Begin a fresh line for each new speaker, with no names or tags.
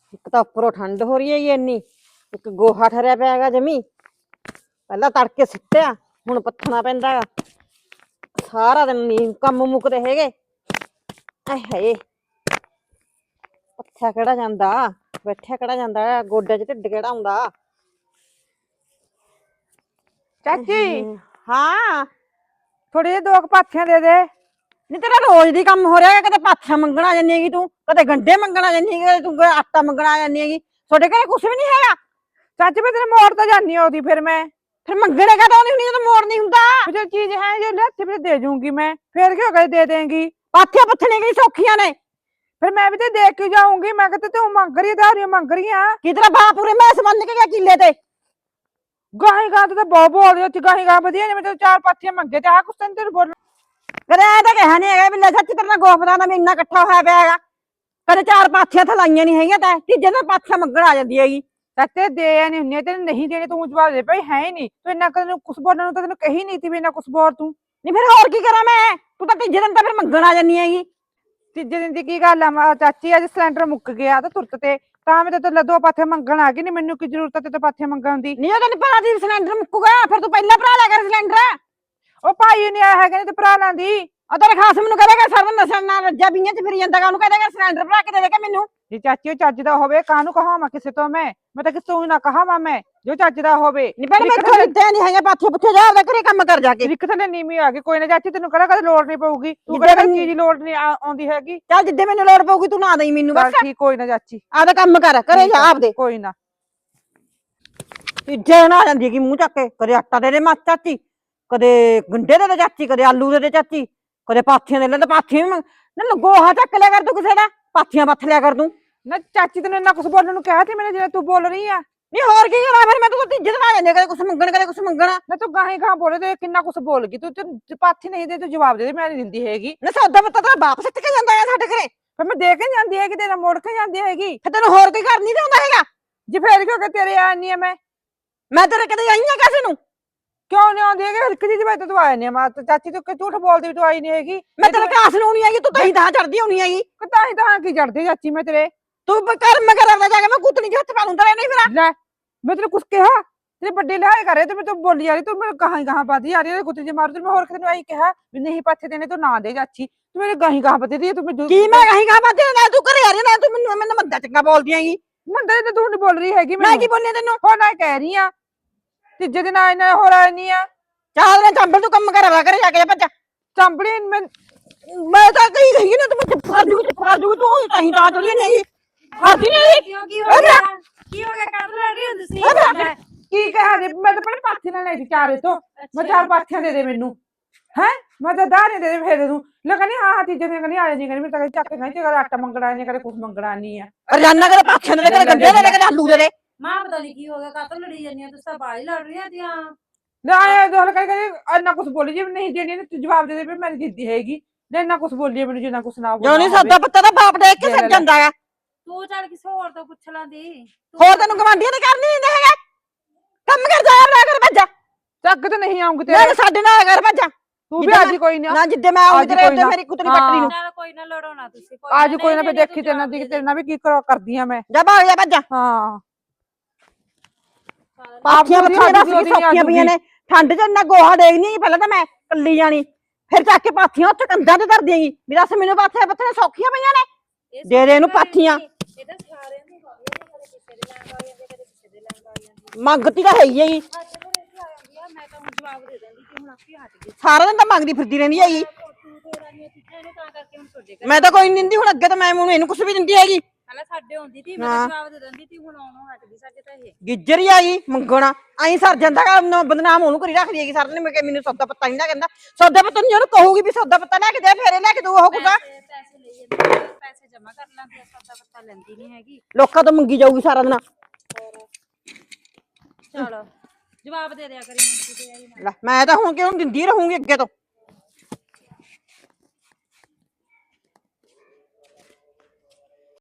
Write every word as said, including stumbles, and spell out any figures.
ਇੱਕ ਤਾਂ ਉੱਪਰੋਂ ਠੰਡ ਹੋ ਰਹੀ ਹੈ ਇੰਨੀ, ਇੱਕ ਗੋਹਾ ਠਰਿਆ ਪਿਆ ਹੈਗਾ ਜਮੀ। ਪਹਿਲਾਂ ਤੜਕੇ ਸਿੱਟਿਆ, ਹੁਣ ਪੱਥਣਾ ਪੈਂਦਾ ਗਾ। ਸਾਰਾ ਦਿਨ ਨੀ ਕੰਮ ਮੁੱਕਦੇ ਹੈਗੇ। ਆਏ ਹਾਏ, ਪੱਥਿਆ ਕਿਹੜਾ ਜਾਂਦਾ, ਬੈਠਿਆ ਕਿਹੜਾ ਜਾਂਦਾ, ਗੋਡੇ ਚ ਢਿੱਡ ਕਿਹੜਾ ਆਉਂਦਾ।
ਚਾਚੀ
ਹਾਂ
ਥੋੜੇ ਜਿਹੇ ਦੋ ਕੁ ਪਾਥੀਆਂ ਦੇ ਦੇ।
ਨਹੀਂ ਤੇਰਾ ਰੋਜ਼ ਦੀ ਕੰਮ ਹੋ ਰਿਹਾ, ਕਦੇ ਪਾਥੀਆਂ ਮੰਗਣ ਆ ਜਾਂਦੀ ਹੈਗੀ ਤੂੰ, ਕਦੇ ਗੰਢੇ ਮੰਗਣ ਆ ਜਾਂਦੀ ਹੈਗੀ ਤੂੰ, ਆਟਾ ਮੰਗਣ ਆ ਜਾਂਦੀ ਹੈਗੀ। ਤੁਹਾਡੇ ਘਰੇ ਕੁਛ ਵੀ ਨੀ ਹੈਗਾ।
ਚਾਚੀ ਮੈਂ ਤੇਰੇ ਮੋੜ ਤਾਂ ਜਾਨੀ ਆ ਉਹਦੀ, ਫਿਰ ਮੈਂ
ਫਿਰ ਮੰਗਣੇ ਕਾ ਤਾਂ ਨਹੀਂ ਜਦੋਂ ਮੋੜ ਨਹੀਂ ਹੁੰਦਾ।
ਜੋ ਚੀਜ਼ ਹੈ ਜੇ ਲਿਆਤੀ ਫਿਰ ਦੇ ਜੂੰਗੀ ਮੈਂ, ਫਿਰ ਕਿਉਂ ਕਹੇ ਦੇ ਦੇਂਗੀ।
ਪਾਥੀਆਂ ਪੱਥਣੇ ਕੀ ਸੌਖੀਆਂ ਨੇ।
ਫਿਰ ਮੈਂ ਵੀ ਤੇ ਦੇਖ ਕੇ ਜਾਊਂਗੀ। ਮੈਂ ਕਿਤੇ ਤੂੰ ਮੰਗ ਰਹੀ ਧਾਰੀਆਂ ਮੰਗ ਰਹੀ ਆ
ਕੀ ਤੇਰਾ ਬਾਪ ਪੂਰੇ ਮੈਸ ਬੰਨ ਕੇ ਗਿਆ ਕਿੱਲੇ ਤੇ।
ਗਾਹੀ ਗਾਂ ਤੇ ਬਹੁਤ ਬੋਲਦੀ ਉੱਥੇ, ਗਾਹੀ ਗਾਂ ਵਧੀਆ ਨੇ। ਮੈਂ ਤੈਨੂੰ ਚਾਰ ਪਾਥੀਆਂ ਮੰਗੇ ਤੇ ਆਹ ਕੁਛ ਤੈਨੂੰ ਤੈਨੂੰ ਬੋਲ
ਕਦੇ ਐ ਤਾਂ ਕਿਹਾ ਨੀ ਹੈਗਾ ਵੀ ਲੈ ਸੱਚੀ ਤੇਰੇ ਨਾਲ ਗੋਫਦਾ ਦਾ ਮਹੀਨਾ ਇਕੱਠਾ ਹੋਇਆ ਪਿਆ ਹੈਗਾ। ਕਦੇ ਚਾਰ ਪਾਥੀਆਂ ਤਾਂ ਲਾਈਆਂ ਨੀ ਹੈਗੀਆਂ ਤੈਂ, ਤੀਜੇ ਦਿਨ ਪਾਥੀਆਂ ਮੰਗਣ ਆ ਜਾਂਦੀ ਹੈਗੀ।
ਚਾਚੇ ਦੇ ਨਹੀਂ ਹੁੰਦੀਆਂ ਤੈਨੂੰ, ਨਹੀਂ ਦੇਣੇ ਤੂੰ ਜਵਾਬ ਦੇ ਭਾਈ ਹੈ ਹੀ ਨਹੀਂ ਤੂੰ ਇੰਨਾ ਤੈਨੂੰ ਕੁਛ ਬੋਲਣ ਨੂੰ ਤਾਂ ਤੈਨੂੰ ਕਹੀ ਨਹੀਂ ਤੀ ਵੀ ਇੰਨਾ ਕੁਛ ਬੋਲ ਤੂੰ।
ਨਹੀਂ ਫਿਰ ਹੋਰ ਕੀ ਕਰਾਂ ਮੈਂ, ਤੂੰ ਤਾਂ ਤੀਜੇ ਦਿਨ ਤਾਂ ਫਿਰ ਮੰਗਣ ਆ ਜਾਂਦੀ ਹੈਗੀ।
ਤੀਜੇ ਦਿਨ ਦੀ ਕੀ ਗੱਲ ਆ ਚਾਚੀ, ਅੱਜ ਸਿਲੰਡਰ ਮੁੱਕ ਗਿਆ ਤਾਂ ਤੁਰਤ ਤੇ ਤਾਂ ਮੈਂ ਤੇ ਦੋ ਪਾਥੀਆਂ ਮੰਗਣ ਆ ਗਈ। ਨਹੀਂ ਮੈਨੂੰ ਕੀ ਜ਼ਰੂਰਤ ਹੈ ਤੇ ਪਾਥੀਆਂ ਮੰਗਣ ਦੀ।
ਨਹੀਂ ਉਹ ਤੈਨੂੰ ਪਤਾ ਸੀ ਸਿਲੰਡਰ ਮੁੱਕੂਗਾ, ਫਿਰ ਤੂੰ ਪਹਿਲਾਂ ਭਰਾ ਲਿਆ ਕਰ ਸਿਲੰਡਰ।
ਉਹ ਭਾਈ ਨੀ ਆਇਆ ਹੈਗਾ, ਨਹੀਂ ਤੇ ਭਰਾ ਲੈਂਦੀ।
ਉਹ ਤੇਰੇ ਖਾਸ ਮੈਨੂੰ ਕਹੇਗਾ ਸਾਰਾ ਨਸ਼ਾ ਨਾਲ ਰੱਜਾ ਬੀਆਂ ਚ ਫਿਰੀ ਜਾਂਦਾ, ਉਹਨੂੰ ਕਹੇਗਾ ਸਿਲੰਡਰ ਭਰਾ ਕੇ ਦੇ ਦੇ ਮੈਨੂੰ।
ਜੇ ਚਾਚੀ ਉਹ ਚੱਜ ਦਾ ਹੋਵੇ ਕਾਹਨੂੰ ਕਹਾਵਾਂ ਕਿਸੇ ਤੋਂ, ਮੈਂ ਮੈਂ ਤਾਂ ਕਿਸੇ ਤੋਂ ਨਾ ਕਹਾਵਾਂ ਮੈਂ, ਜੋ ਚੱਜ ਦਾ ਹੋਵੇ।
ਨਹੀਂ ਭੈਣ ਮੈਥੋਂ ਲਿੱਤੇ ਨਹੀਂ ਹੈਗੇ ਪਾਥੀਆਂ ਪੁੱਛੇ ਜਾ ਉਹਦੇ ਘਰੇ ਕੰਮ ਕਰ ਜਾ ਕੇ।
ਰਿਕ ਥੱਲੇ ਨੀਵੀਂ ਆ ਗਈ, ਕੋਈ ਨਾ ਚਾਚੀ ਤੈਨੂੰ ਕਿਹੜਾ ਕਦੇ ਲੋੜ ਨਹੀਂ ਪਊਗੀ, ਤੂੰ ਕਿਹੜਾ ਚੀਜ਼ ਦੀ ਲੋੜ ਨਹੀਂ ਆਉਂਦੀ ਹੈਗੀ।
ਚੱਲ ਜਿੱਦੇ ਮੈਨੂੰ ਲੋੜ ਪਊਗੀ ਤੂੰ ਨਾ ਦੇਈ ਮੈਨੂੰ ਬਸ।
ਠੀਕ ਕੋਈ ਨਾ ਚਾਚੀ,
ਆਪਦਾ ਕੰਮ ਕਰ, ਘਰੇ ਜਾ ਆਪਦੇ।
ਕੋਈ ਨਾ
ਤੀਜੇ ਨਾ ਜਾਂਦੀ ਹੈਗੀ ਮੂੰਹ ਚੱਕ ਕੇ, ਕਦੇ ਆਟਾ ਦੇ ਦੇ ਮੱਚ ਚਾਚੀ, ਕਦੇ ਗੰਢੇ ਦੇ ਦੇ ਚਾਚੀ, ਕਦੇ ਆਲੂ ਦੇ ਦੇ ਚਾਚੀ, ਕਦੇ ਪਾਥੀਆਂ ਦੇ ਲੈ ਤੇ ਪਾਥੀਆਂ ਵੀ ਨਾ ਗੋਹਾ ਚੱਕ ਲਿਆ ਕਰ ਤੂੰ ਕਿਸੇ ਦਾ, ਪਾਥੀਆਂ ਪੱਥ ਲਿਆ ਕਰ ਤੂੰ।
ਨਾ ਚਾਚੀ ਤੈਨੂੰ ਇੰਨਾ ਕੁਛ ਬੋਲਣ ਨੂੰ ਕਿਹਾ ਸੀ ਮੈਨੇ ਜਿਹੜਾ ਤੂੰ ਬੋਲ ਰਹੀ ਆ।
ਨਹੀਂ ਹੋਰ ਕੀ ਕਰਾਂ ਫਿਰ, ਮੈਂ ਤੂੰ ਤੀਜੇ ਦਿਨ ਆ ਜਾਂਦੀ ਕਦੇ ਕੁਛ ਮੰਗਣ ਕਦੇ ਕੁਛ ਮੰਗਣਾ।
ਨਾ ਤੂੰ ਗਾਹੀ ਗਾਹ ਬੋਲੇ ਤੇ ਕਿੰਨਾ ਕੁਛ ਬੋਲ ਗਈ ਤੂੰ, ਤੇ ਪਾਥੀ ਨਹੀਂ ਦੇ ਤੂੰ ਜਵਾਬ ਦੇ ਦੇ, ਮੈਂ ਨਹੀਂ ਦਿੰਦੀ ਹੈਗੀ।
ਨਾ ਸੌਦਾ ਪੱਤਾ ਤੇਰਾ ਬਾਪ ਸਿੱਟ ਕੇ ਜਾਂਦਾ ਹੈ ਸਾਡੇ ਘਰੇ।
ਫਿਰ ਮੈਂ ਦੇ ਕੇ ਜਾਂਦੀ ਹੈਗੀ, ਤੇਰਾ ਮੋੜ ਕੇ ਜਾਂਦੀ ਹੈਗੀ।
ਫਿਰ ਤੈਨੂੰ ਹੋਰ ਕੋਈ ਘਰ ਨਹੀਂ ਆਉਂਦਾ ਹੈਗਾ।
ਜੇ ਫੇਰ ਕਿਉਂ ਕਿ ਤੇਰੇ ਆਣੀ ਆ ਮੈਂ
ਮੈਂ ਤੇਰੇ ਕਦੇ ਆਈ ਆ ਕਿਸੇ ਨੂੰ।
ਕਿਉਂ ਨਹੀਂ ਆਉਂਦੀ ਹੈਗੀ, ਇੱਕ ਚੀਜ਼ ਬਾਈ ਤੂੰ ਆਇਆ ਨਹੀਂ। ਮੈਂ ਚਾਚੀ ਤੂੰ ਝੂਠ ਬੋਲਦੀ ਵੀ ਤੂੰ ਆਈ ਨਹੀਂ ਹੈਗੀ।
ਮੈਂ ਤੇਰੇ ਕਾਸ ਨੂੰ ਨਹੀਂ ਹੈਗੀ, ਤੂੰ ਤਾਂ ਹੀ ਤਾਂ ਚੜਦੀ ਹੋਣੀ ਹੈਗੀ।
ਤਾਂ ਹੀ ਤਾਂ ਕੀ ਚੜਦੀ ਚਾਚੀ ਮੈਂ ਤੇਰੇ।
ਤੂੰ ਕਰਮ ਕਰਦਾ ਜਾ ਕੇ ਮੈਂ ਕੁੱਤਣੀ ਚ ਹੱਥ ਪਾ ਲੂੰ ਤੇਰੇ। ਨਹੀਂ ਫਿਰ
ਲੈ ਮੈਂ ਤੈਨੂੰ ਕੁਛ ਕਿਹਾ, ਤੇਰੇ ਵੱਡੇ ਲਿਹਾਜ਼ ਕਰੇ ਤੇ ਮੈਂ ਤੂੰ ਬੋਲੀ ਜਾ ਰਹੀ, ਤੂੰ ਮੈਨੂੰ ਗਾਹਾਂ ਗਾਹਾਂ ਪਾਦੀ ਜਾ ਰਹੀ ਕੁੱਤੇ ਜੇ ਮਾਰ ਤੂੰ। ਮੈਂ ਹੋਰ ਕਿਸੇ ਨੂੰ ਆਈ ਕਿਹਾ ਵੀ ਨਹੀਂ ਪਾਥੇ ਦੇਣੇ ਤੂੰ ਨਾ ਦੇ ਚਾਚੀ, ਤੂੰ ਮੇਰੇ ਗਾਹੀਂ ਗਾਹਾਂ ਪਤੀ ਦੀ। ਤੂੰ
ਕੀ ਮੈਂ ਗਾਹੀਂ ਗਾਹਾਂ ਪਾਦੀ ਨਾ, ਤੂੰ ਘਰੇ ਆ ਰਹੀ ਨਾ, ਤੂੰ ਮੈਨੂੰ ਮੈਨੂੰ ਮੰਦਾ ਚੰਗਾ ਬੋਲਦੀ ਹੈਗੀ।
ਮੰਦਾ ਤੇ ਤੂੰ ਨਹੀਂ ਬੋਲ ਰਹੀ ਹੈਗੀ,
ਮੈਂ ਕੀ ਬੋਲਿਆ ਤੈਨੂੰ।
ਹੋਰ ਨਾ ਕਹਿ ਰਹੀ ਆ ਤੀਜੇ ਦਿਨ ਆਏ ਨਾ ਹੋਰ ਆਏ ਨਹੀਂ ਆ।
ਚਾਲ ਨੇ ਚੰਬਲ ਤੂੰ ਕੰਮ ਕਰਾ ਕਰੇ ਜਾ ਕੇ ਭੱਜ।
ਚੰਬੜੀ ਮੈਂ
ਮੈਂ ਤਾਂ ਕਹੀ ਗਈ ਨਾ, ਤੂੰ ਚੁੱਪ ਕਰ ਜੂ ਚੁੱਪ ਕਰ ਜੂ, ਤੂੰ ਕਹੀਂ ਤਾਂ ਚੜੀ ਨਹੀਂ ਹੱਦੀ ਨਹੀਂ।
ਕਿਉਂ ਕੀ ਹੋ ਗਿਆ, ਕੀ ਹੋ ਗਿਆ, ਕਾਹਤੋਂ ਲੜ ਰਹੀ ਹੋ ਤੁਸੀਂ।
ਕੀ ਕਹਾਂ ਦੇ, ਮੈਂ ਤਾਂ ਪਹਿਲੇ ਪਾਥੀ ਨਾਲ ਲੈ ਸੀ ਚਾਰੇ ਤੋਂ, ਮੈਂ ਚਾਰ ਪਾਥੀਆਂ ਦੇ ਦੇ ਮੈਨੂੰ ਹੈ, ਮੈਂ ਤਾਂ ਦਾਣੇ ਦੇ ਦੇ ਫੇਰ ਦੇ ਦੂੰ। ਲੈ ਕਹਿੰਦੀ ਹਾਂ ਹਾਂ ਤੀਜੇ ਦਿਨ ਕਹਿੰਦੀ ਆ ਜਾਂਦੀ, ਕਹਿੰਦੀ ਮੈਂ ਤਾਂ ਚੱਕ ਕੇ ਖਾਈ ਤੇ ਕਦੇ ਆਟਾ ਮੰਗਣਾ ਨਹੀਂ, ਕਦੇ ਕੁਛ ਮੰਗਣਾ ਨਹੀਂ ਆ।
ਰਜਾਨਾ ਕਦੇ ਪਾਥੀਆਂ ਦੇ ਕਦੇ ਗੰਢੇ ਦੇ ਕਦੇ ਆਲੂ ਦੇ ਦੇ।
ਮਾਂ ਪਤਾ ਨਹੀਂ ਕੀ ਹੋ ਗਿਆ, ਕਾਹਤੋਂ ਲੜੀ ਜਾਂਦੀਆਂ ਤੁਸੀਂ ਤਾਂ ਬਾਹਰ ਹੀ ਲੜ ਰਹੀਆਂ ਤੀਆਂ।
ਨਾ ਆਇਆ ਦੋਹਲ ਕਹਿੰਦੀ ਇੰਨਾ ਕੁਛ ਬੋਲੀ ਜੀ ਨਹੀਂ ਦੇਣੀ, ਤੂੰ ਜਵਾਬ ਦੇ ਦੇ ਵੀ ਮੈਂ ਦਿੱਤੀ ਹੈਗੀ। ਨਾ ਇੰਨਾ ਕੁਛ ਬੋਲੀ ਮੈਨੂੰ ਜਿੰਨਾ ਕੁਛ ਨਾ
ਜੋ ਨਹੀਂ ਸੌਦਾ ਪੱਤਾ ਦਾ ਬਾਪ ਦੇਖ ਕੇ ਸੱਜ ਜਾਂਦਾ ਹੈ।
ਤੂੰ ਚੱਲ ਕਿਸੇ ਹੋਰ ਤੋਂ ਪੁੱਛ ਲਾਂਦੀ।
ਹੋਰ ਤੈਨੂੰ ਗਵਾਂਢੀਆਂ ਨੇ ਕਰਨੀ ਨਹੀਂ ਹੈਗਾ ਕੰਮ ਕਰ ਜਾਇਆ ਨਾ ਕਰ ਭੱਜਾ।
ਚੱਕ ਤੇ ਨਹੀਂ ਆਉਂਗੀ ਤੇਰੇ
ਨਾ ਸਾਡੇ ਨਾਲ ਕਰ ਭੱਜਾ।
ਤੂੰ ਵੀ ਅੱਜ ਕੋਈ ਨਾ
ਨਾ ਜਿੱਦੇ ਮੈਂ ਆਉਂਗੀ ਤੇਰੇ ਉੱਤੇ ਮੇਰੀ ਕੁੱਤਰੀ ਪੱਟਣੀ ਨੂੰ।
ਚੱਲ ਕੋਈ ਨਾ ਲੜੋ ਨਾ ਤੁਸੀਂ,
ਅੱਜ ਕੋਈ ਨਾ, ਫੇ ਦੇਖੀ ਤੇਰੇ ਨਾਲ ਤੇਰੇ ਨਾਲ ਵੀ ਕੀ ਕਰਦੀ ਆ ਮੈਂ।
ਜਾ ਭਾਗ ਜਾ ਭੱਜਾ।
ਹਾਂ
ਪਾਥੀਆਂ ਪੱਥੀਆਂ ਸੌਖੀਆਂ ਪਈਆਂ ਨੇ, ਠੰਡ ਚ ਇੰਨਾ ਗੋਹਾ ਡੇਗਨੀ ਪਹਿਲਾਂ ਤਾਂ ਮੈਂ ਕੱਲੀ ਜਾਣੀ, ਫਿਰ ਚੱਕ ਕੇ ਪਾਥੀਆਂ ਉੱਥੇ ਕੰਧਾਂ ਤੇ ਧਰ ਦੇਗੀ ਵੀ ਦੱਸ ਮੈਨੂੰ ਪਾਥੀਆਂ ਪੱਥੀਆਂ ਸੌਖੀਆਂ ਪਈਆਂ ਨੇ। ਦੇ ਦੇ ਇਹਨੂੰ ਪਾਥੀਆਂ।
ਇਹ ਤਾਂ ਸਾਰਿਆਂ ਨੂੰ ਕਦੇ ਕਿਸੇ ਦੇ ਲੈਣ ਆ ਜਾਂਦੇ, ਕਦੇ ਕਿਸੇ ਦੇ ਲੈਣ ਆ ਜਾਂਦੀ।
ਮੰਗਤੀ ਤਾਂ ਹੈ ਹੀ ਹੈਗੀ,
ਮੈਂ ਤਾਂ ਹੁਣ ਜਵਾਬ ਦੇ ਦਿੰਦੀ ਕਿ ਹੁਣ ਆਪੇ ਹਟ ਗਈ।
ਸਾਰਾ ਦਿਨ ਤਾਂ ਮੰਗਦੀ ਫਿਰਦੀ ਰਹਿੰਦੀ ਹੈਗੀ।
ਤੂੰ ਤੇ ਰਾਨੀਆਂ ਚੀਜ਼ਾਂ ਨੇ ਤਾਂ ਕਰਕੇ ਹੁਣ ਤੁਹਾਡੇ ਘਰ
ਮੈਂ ਤਾਂ ਕੋਈ ਨਹੀਂ ਦਿੰਦੀ, ਹੁਣ ਅੱਗੇ ਤਾਂ ਮੈਂ ਮੈਨੂੰ ਇਹਨੂੰ ਕੁਛ ਵੀ ਦਿੰਦੀ ਹੈਗੀ।
ਪਹਿਲਾਂ ਸਾਡੇ ਹੁੰਦੀ ਸੀ, ਮੈਂ ਤਾਂ ਜਵਾਬ ਦੇ ਦਿੰਦੀ ਸੀ, ਹੁਣ ਆਉਣੋਂ ਹਟ ਗਈ ਸਾਡੇ ਤਾਂ ਇਹ
ਗਿੱਜਰ ਹੀ ਆਈ ਮੰਗਣਾ ਆਈ ਸਰ ਜਾਂਦਾ ਗਾ, ਬਦਨਾਮ ਉਹਨੂੰ ਕਰੀ ਰੱਖਦੀ ਹੈਗੀ ਸਾਰਾ ਦਿਨ। ਮੈਂ ਕਿ ਮੈਨੂੰ ਸੌਦਾ ਪੱਤਾ ਨਹੀਂ ਨਾ ਕਹਿੰਦਾ, ਸੌਦਾ ਪੱਤਾ ਨਹੀਂ ਉਹਨੂੰ ਕਹੂਗੀ ਵੀ ਸੌਦਾ ਪੱਤਾ ਲੈ ਕੇ ਦੇ, ਫੇਰੇ ਲੈ ਕੇ ਦੂ ਉਹ ਕੁੱਤਾ।
ਪੈਸੇ ਪੈਸੇ ਲਈ ਜਾਂਦੀ, ਪੈਸੇ ਜਮਾ ਕਰ ਲਾਂਦੀ, ਸੌਦਾ ਪੱਤਾ ਲੈਂਦੀ ਨਹੀਂ ਹੈਗੀ।
ਲੋਕਾਂ ਤੋਂ ਮੰਗੀ ਜਾਊਗੀ ਸਾਰਾ ਦਿਨ।
ਚਲ ਜਵਾਬ ਦੇ ਦਿਆ ਕਰੀ, ਮੁੰਡੀ ਤੇ ਆਈ ਨਾ।
ਲੈ ਮੈਂ ਤਾਂ ਹੁਣ ਕਿਉਂ ਦਿੰਦੀ ਰਹੂੰਗੀ ਅੱਗੇ ਤੋਂ।